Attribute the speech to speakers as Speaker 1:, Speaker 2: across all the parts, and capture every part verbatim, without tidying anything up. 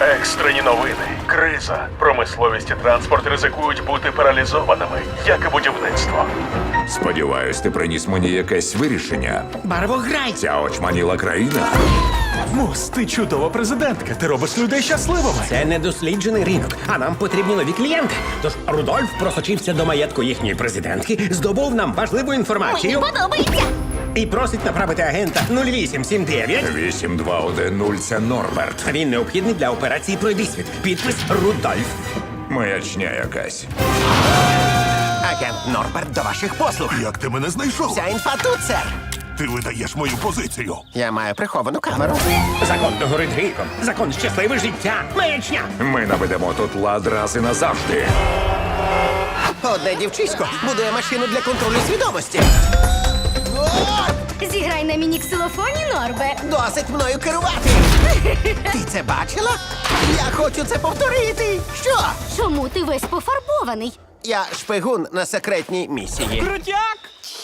Speaker 1: Екстрені новини. Криза. Промисловість і транспорт ризикують бути паралізованими, як і будівництво.
Speaker 2: Сподіваюсь, ти приніс мені якесь вирішення.
Speaker 3: Барвограй!
Speaker 2: Ця очманіла країна.
Speaker 1: Мус, ти чудова президентка. Ти робиш людей щасливими.
Speaker 3: Це недосліджений ринок, а нам потрібні нові клієнти. Тож Рудольф просочився до маєтку їхньої президентки, здобув нам важливу інформацію
Speaker 4: Мені подобається.
Speaker 3: і просить направити агента нуль вісім сім дев'ять.
Speaker 2: вісім два один нуль – це Норберт.
Speaker 3: Він необхідний для операції «Пройдисвіт». Підпис Рудольф.
Speaker 2: Маячня якась.
Speaker 5: Агент Норберт до ваших послуг.
Speaker 6: Як ти мене знайшов?
Speaker 5: Вся інфа тут, сер.
Speaker 6: Ти видаєш мою позицію.
Speaker 5: Я маю приховану камеру.
Speaker 3: Закон догорить гріхом. Закон щасливе життя. Маячня.
Speaker 2: Ми наведемо тут лад раз і назавжди.
Speaker 5: Одне дівчисько будує машину для контролю свідомості.
Speaker 4: Зіграй на міні-ксилофоні, Норбе.
Speaker 5: Досить мною керувати. Ти це бачила? Я хочу це повторити. Що?
Speaker 4: Чому ти весь пофарбований?
Speaker 5: Я шпигун на секретній місії.
Speaker 3: Крутяк!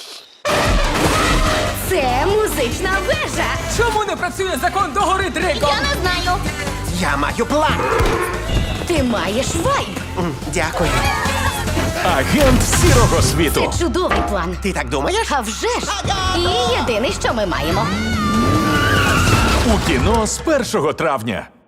Speaker 4: Це музична вежа.
Speaker 7: Чому не працює закон догори дригом?
Speaker 4: Я не знаю.
Speaker 5: Я маю план.
Speaker 4: Ти маєш вайб.
Speaker 5: М, Дякую.
Speaker 1: Агент сірого світу.
Speaker 4: Це чудовий план.
Speaker 5: Ти так думаєш?
Speaker 4: А вже ж. І єдине, що ми маємо.
Speaker 1: У кіно з першого травня.